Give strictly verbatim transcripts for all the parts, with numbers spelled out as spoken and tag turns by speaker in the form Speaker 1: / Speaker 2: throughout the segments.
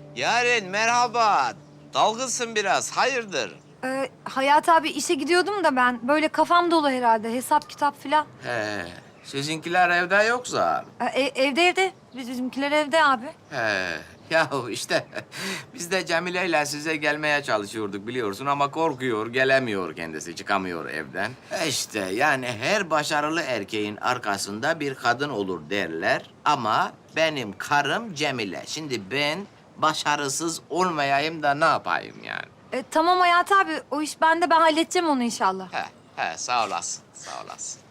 Speaker 1: Yaren merhaba. Dalgınsın biraz. Hayırdır?
Speaker 2: Ee, Hayat abi işe gidiyordum da ben. Böyle kafam dolu herhalde. Hesap kitap filan.
Speaker 1: He. Sizinkiler evde yoksa.
Speaker 2: Ee, e- evde evde. Biz- Bizimkiler evde abi.
Speaker 1: He. Yahu işte biz de Cemile ile size gelmeye çalışıyorduk biliyorsun ama korkuyor, gelemiyor kendisi, çıkamıyor evden. E işte yani her başarılı erkeğin arkasında bir kadın olur derler ama benim karım Cemile. Şimdi ben başarısız olmayayım da ne yapayım yani?
Speaker 2: Ee, tamam Hayat abi. O iş bende. Ben halledeceğim onu inşallah.
Speaker 1: He, he sağ olasın, sağ olasın.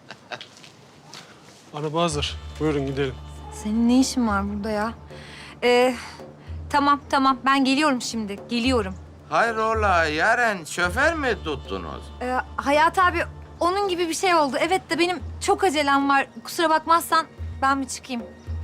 Speaker 3: Araba hazır. Buyurun gidelim.
Speaker 2: Senin ne işin var burada ya? Ee, tamam tamam. Ben geliyorum şimdi. Geliyorum.
Speaker 1: Hayrola Yaren, şoför mü tuttunuz?
Speaker 2: Ee, Hayat abi onun gibi bir şey oldu. Evet de benim çok acelem var. Kusura bakmazsan ben bir çıkayım.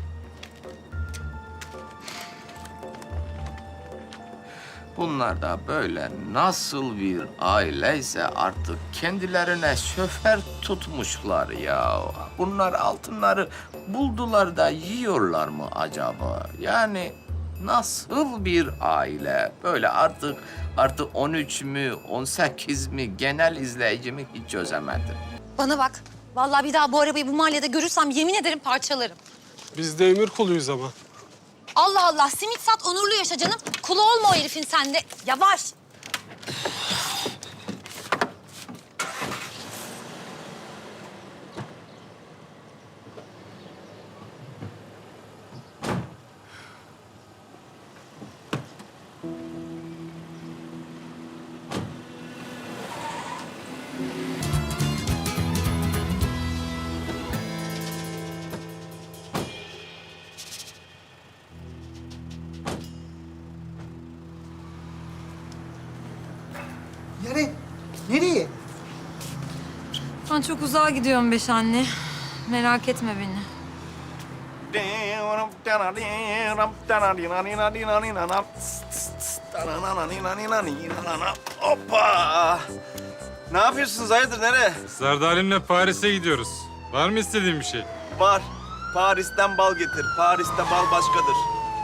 Speaker 1: Bunlar da böyle nasıl bir aileyse artık kendilerine şoför tutmuşlar ya. Bunlar altınları buldular da yiyorlar mı acaba? Yani nasıl bir aile? Böyle artık artık on üç mü, on sekiz mi genel izleyicimi hiç çözemedim.
Speaker 4: Bana bak. Vallahi bir daha bu arabayı bu mahallede görürsem yemin ederim parçalarım.
Speaker 3: Biz de emir kuluyuz ama.
Speaker 4: Allah Allah, simit sat, onurlu yaşa canım. Kulu olma o herifin sende. Yavaş.
Speaker 5: Yaren, nereye?
Speaker 2: Ben çok uzağa gidiyorum beş anne. Merak etme beni.
Speaker 6: Hoppa! Ne yapıyorsunuz? Hayırdır? Nereye?
Speaker 7: Zerdalimle Paris'e gidiyoruz. Var mı istediğin bir şey?
Speaker 6: Var. Paris'ten bal getir. Paris'te bal başkadır.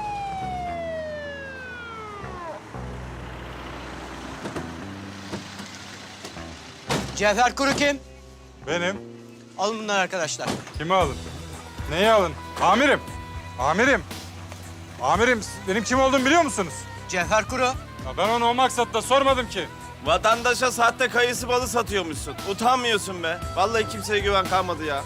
Speaker 5: Cevher Kuru kim?
Speaker 7: Benim.
Speaker 5: Alın bunları arkadaşlar.
Speaker 7: Kimi alın? Neyi alın? Amirim. Amirim. Amirim, benim kim olduğumu biliyor musunuz?
Speaker 5: Cevher Kuru.
Speaker 7: Ya ben onu o maksatla sormadım ki.
Speaker 6: Vatandaşa sahte kayısı balı satıyormuşsun. Utanmıyorsun be. Vallahi kimseye güven kalmadı ya.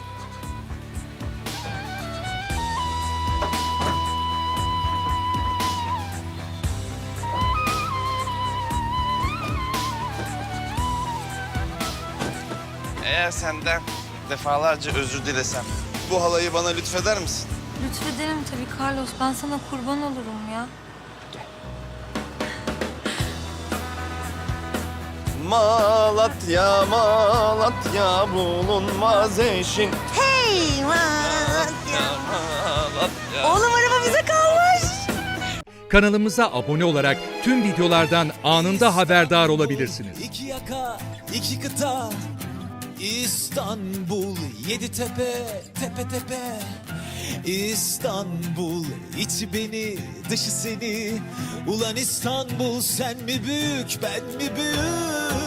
Speaker 6: Eğer senden defalarca özür dilesem, bu halayı bana lütfeder misin?
Speaker 2: Lütfederim tabii Carlos. Ben sana kurban olurum ya.
Speaker 6: Malatya, Malatya bulunmaz eşin.
Speaker 4: Hey Malatya. Oğlum araba bize kalmış.
Speaker 8: Kanalımıza abone olarak tüm videolardan anında haberdar olabilirsiniz.
Speaker 9: İki yaka, iki kıta, İstanbul, yedi tepe, tepe tepe. İstanbul, içi beni, dışı seni. Ulan İstanbul, sen mi büyük, ben mi büyük?